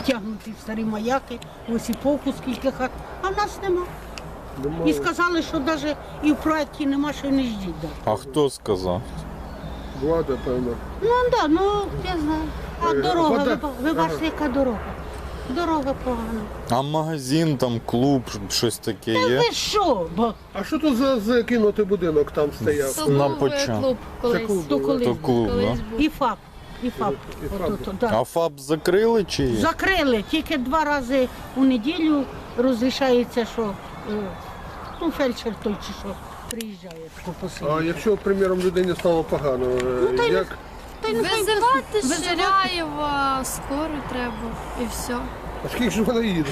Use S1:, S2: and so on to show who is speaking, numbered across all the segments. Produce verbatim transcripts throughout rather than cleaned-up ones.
S1: Тягнуті старі маяки, Осіповку скільки хат, а в нас нема.
S2: Немає.
S1: І сказали, що навіть і в проєкті нема, що й не ждіть. Да.
S3: А хто сказав?
S2: Влада, певно.
S1: Ну так, да, ну я знаю. А
S2: Е,
S1: дорога,
S2: вода-
S1: ви, ви бачите, яка дорога? Дорога погана.
S3: А магазин, там, клуб, щось таке є?
S1: Ви що? Бо
S2: А що тут за закинутий будинок там стояв?
S4: То
S3: На
S4: був
S3: початку.
S4: клуб колись.
S2: клуб.
S1: то колись,
S3: То клуб,
S4: Колись
S3: да?
S4: був.
S1: і ФАП, і ФАП.
S2: І
S1: От,
S2: ФАП.
S1: от, от, да.
S3: А ФАП закрили чи є?
S1: Закрили, тільки два рази у неділю розрішається, що е, ну, фельдшер той чи що приїжджає тако
S2: А
S1: посидіти.
S2: якщо, приміром, людині стало погано, е,
S1: Ну, та й
S2: як?
S1: Та й нехай
S4: Визивати
S1: визивати.
S4: Ширяєва, скору треба і все.
S2: А скільки ж вона їде?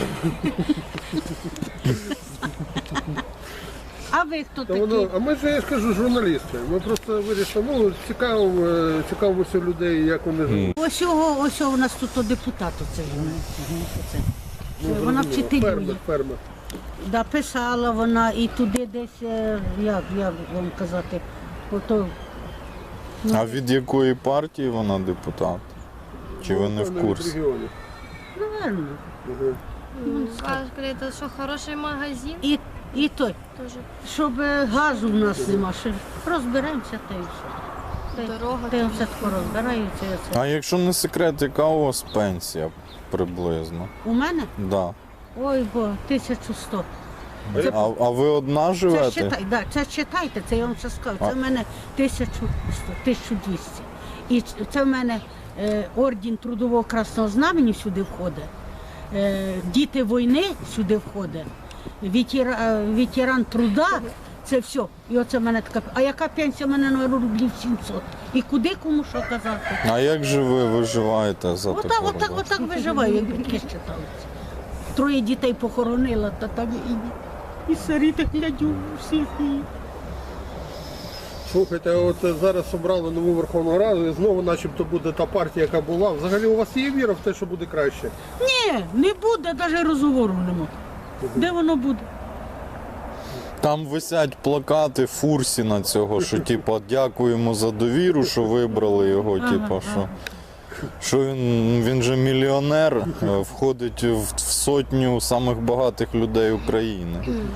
S1: А ви хто
S2: Та
S1: такі?
S2: воно, а ми ж, я скажу, журналісти. Ми просто вирішили, ну, цікаво, е, цікавимося людей, як вони живуть.
S1: Ось його, ось його у нас тут о, депутат оце. Оце.
S2: Ну,
S1: Вона
S2: зрозуміло.
S1: вчителює.
S2: Фермер, фермер.
S1: Да, писала вона і туди десь, е, як, як вам казати, ото,
S3: А від якої партії вона депутат? Чи ви не в
S2: Певно, від
S3: курсі?
S2: регіонів.
S1: наверно.
S2: Мгм.
S4: Кажете, що хороший магазин
S1: І, і той,
S4: теж.
S1: щоб е, газу в нас нема, що розберемося та і все. Та й-
S4: Дорога
S1: Та й
S4: там.
S1: все тако розбираються. і оце.
S3: А якщо не секрет, яка у вас пенсія приблизно?
S1: У мене?
S3: Да.
S1: Ой, бо тисячу сто.
S3: А, а ви одна
S1: Це
S3: живете?
S1: читай, да, це читайте, це я вам ще скажу. Це
S3: А.
S1: в мене тисячу сто, тисячу двісті. І ч- це в мене е, орден Трудового Красного Знамені сюди входить, е, діти війни сюди входить, ветера, е, ветеран труда, це все. І оце в мене така. А яка пенсія в мене на рублів сімсот? І куди кому що казати?
S3: А як же ви виживаєте за
S1: Отак,
S3: таку
S1: отак,
S3: роботу?
S1: отак виживаю, як батьки считаються. Троє дітей похоронила, та там і, і сирі так глядю всіх. І...
S2: Слухайте, от зараз обрали нову Верховну Раду і знову начебто буде та партія, яка була. Взагалі у вас є віра в те, що буде краще?
S1: Ні, не буде, навіть розговору нема. Де воно буде?
S3: Там висять плакати Фурсіна цього, що типа дякуємо за довіру, що вибрали його, типа що. Що він, він же мільйонер, е, входить в, в сотню самих багатих людей України.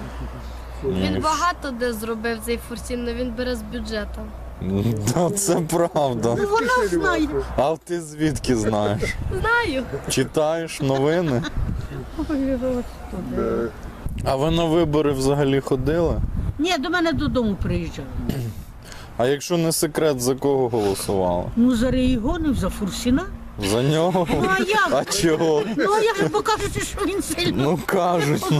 S4: Він
S3: І
S4: багато де зробив цей фурсін, але він бере з бюджету.
S3: Да, це правда.
S1: Ну вона знає.
S3: А ти звідки знаєш?
S4: Знаю.
S3: Читаєш новини?
S1: Ой, от туди.
S2: Е,
S3: А ви на вибори взагалі ходили?
S1: Ні, до мене додому приїжджали.
S3: А якщо не секрет, за кого голосували?
S1: Ну, за регіонів, за Фурсіна.
S3: За нього?
S1: Ну, а як?
S3: А чого?
S1: Ну, а як же покажете, що він сильно?
S3: Ну кажуть. ну.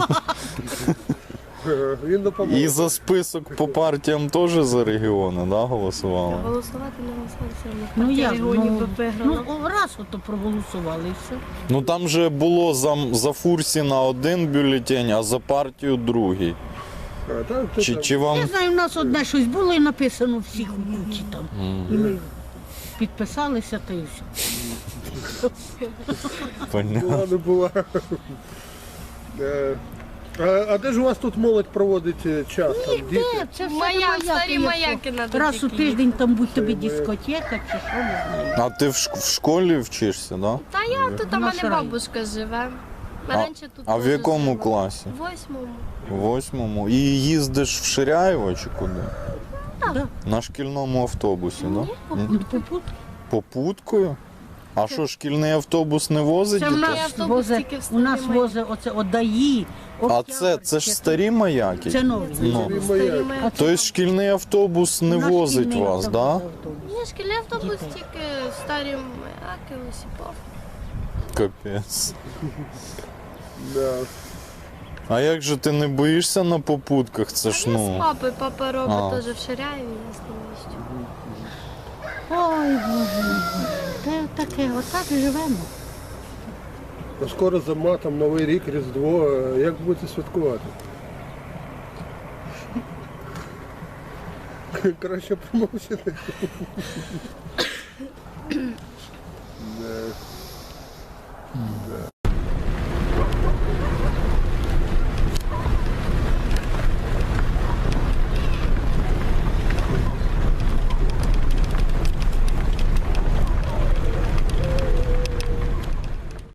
S2: е, Він допоможе.
S3: І за список по партіям теж за регіони, да, голосували?
S4: Голосувати не голосувати все одно.
S1: Ну,
S4: Партія
S1: як?
S4: регіонів
S1: Ну,
S4: би виграла.
S1: ну, раз ото проголосували і все.
S3: Ну там же було за, за Фурсіна один бюлетень, а за партію другий.
S2: А, так, ти
S3: Чи,
S2: там.
S3: чи вам
S1: Я знаю, у нас одне щось було і написано всіх у кучі там. І ми підписалися, та і все.
S3: понятно?
S2: Була, не була. Е, А, а де ж у вас тут молодь проводить е, час? Там, діти?
S1: Де? Це все
S4: Маяк,
S1: маяки,
S4: старі
S1: якщо
S4: маяки надо
S1: раз у
S4: тільки
S1: тиждень там будь тобі
S2: Старі маяки.
S1: дискотека чи що, не знаю.
S3: А ти в, шк- в школі вчишся, да?
S4: Та я тут, у
S1: На
S4: мене
S1: Шраї.
S4: бабушка живе.
S3: А,
S4: Раніше тут
S3: а в
S4: теж
S3: якому
S4: жила.
S3: класі?
S4: В восьмому.
S3: В восьмому. І їздиш в Ширяєво чи куди?
S1: Да.
S3: На шкільному автобусі, да? М?
S1: Ну, попут.
S3: Попуткою? А що, шкільний автобус не возить
S1: Це в
S3: дітей?
S1: нас
S4: автобус
S1: возе,
S4: тільки в
S1: у
S4: старі
S1: нас
S4: маяки.
S1: возе оце одаї.
S3: А це, це ж старі маяки?
S1: Це нові.
S3: Ну.
S2: Старі
S4: Старі
S2: маяки.
S4: маяки.
S3: Тобто шкільний автобус не
S1: Наш
S3: возить
S1: шкільний
S3: вас, так?
S1: автобус,
S3: Да?
S1: автобус.
S4: Ні, шкільний автобус
S1: Дітей.
S4: тільки старі маяки, Осіпов.
S3: Капець.
S2: Да.
S3: А як же ти не боїшся на попутках? Це
S4: А
S3: ж
S4: я з
S3: ну.
S4: папою, папа
S3: А.
S4: робить теж в Ширяєві, я з ним їздю.
S1: Ой, Боже мій. Та таке, отак і живемо.
S2: А скоро зима, там Новий рік, Різдво. Е, Як будете святкувати? Краще промовчити. Да. Да.